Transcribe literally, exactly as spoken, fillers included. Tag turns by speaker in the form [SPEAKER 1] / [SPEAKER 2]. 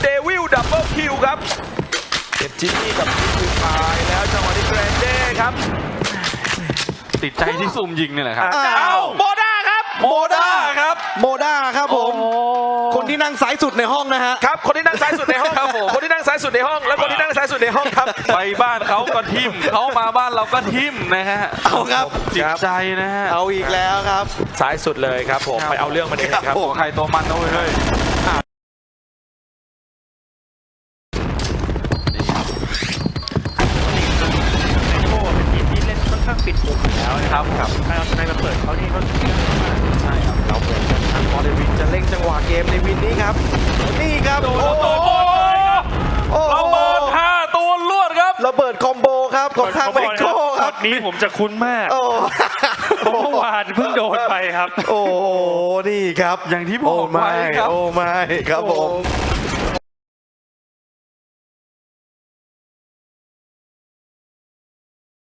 [SPEAKER 1] เดวิลดับเบิลคิวครับเก็บจิมมี่กับจิมมี่ตายแล้วจังหวะนี้แกรนเด้ครับ
[SPEAKER 2] ติดใจที่ซุ่มยิงนี่แหละครับ
[SPEAKER 1] อ้าวโมด้าครับ
[SPEAKER 2] โมด้าครับ
[SPEAKER 3] โมด้าครับผมคนที่นั่งซ้ายสุดในห้องนะฮะ
[SPEAKER 1] ครับคนที่นั่งซ้ายสุดในห้อง
[SPEAKER 2] ครับผม
[SPEAKER 1] คนที่นั่งซ้ายสุดในห้องแล้วคนที่นั่งซ้ายสุดในห้องครับ
[SPEAKER 2] ไปบ้านเขาก็ทิมเขามาบ้านเราก็ทิมนะฮะ
[SPEAKER 3] เอาครับ
[SPEAKER 2] จิตใจนะฮะ
[SPEAKER 3] เอาอีกแล้วครับ
[SPEAKER 1] ซ้ายสุดเลยครับผมไปเอาเรื่องมันเองครับ
[SPEAKER 2] โอ้ใครตัวมันนะเว้ยเฮ้ย
[SPEAKER 4] โอ้เป็นทีมที่เล่นค่อนข้างปิดมุมอยู่แล้วนะครับครับถ้าเอาชนะมาเปิดเขานี่เขาเก่งมากใช่ครับ
[SPEAKER 1] เราเหมือนกันทางบอลเดวินจะเร่งจังหวะเกมในวินนี้ครับ
[SPEAKER 3] นี่ครับ
[SPEAKER 2] โดน
[SPEAKER 3] โอ้
[SPEAKER 2] ระ
[SPEAKER 3] โห
[SPEAKER 2] เบิดโอ้
[SPEAKER 3] โอ้โห
[SPEAKER 2] ระเบิดห้าตัวลวดครับ
[SPEAKER 3] ระเบิดคอมโบครับของทางเมโก้ค
[SPEAKER 4] ช็
[SPEAKER 3] รั
[SPEAKER 4] อบ ตนี้ผมจะคุ้นมาก
[SPEAKER 3] โอ้
[SPEAKER 4] เพราะเมื่อวานเพิ่งโดนไปครับ
[SPEAKER 3] โอ้โหนี่ครับ
[SPEAKER 2] อย่างที่บ
[SPEAKER 3] โอ้
[SPEAKER 2] อก
[SPEAKER 3] ไม่
[SPEAKER 2] ไว้ครับ
[SPEAKER 3] โอ้ไม่ครับผม
[SPEAKER 1] โอ้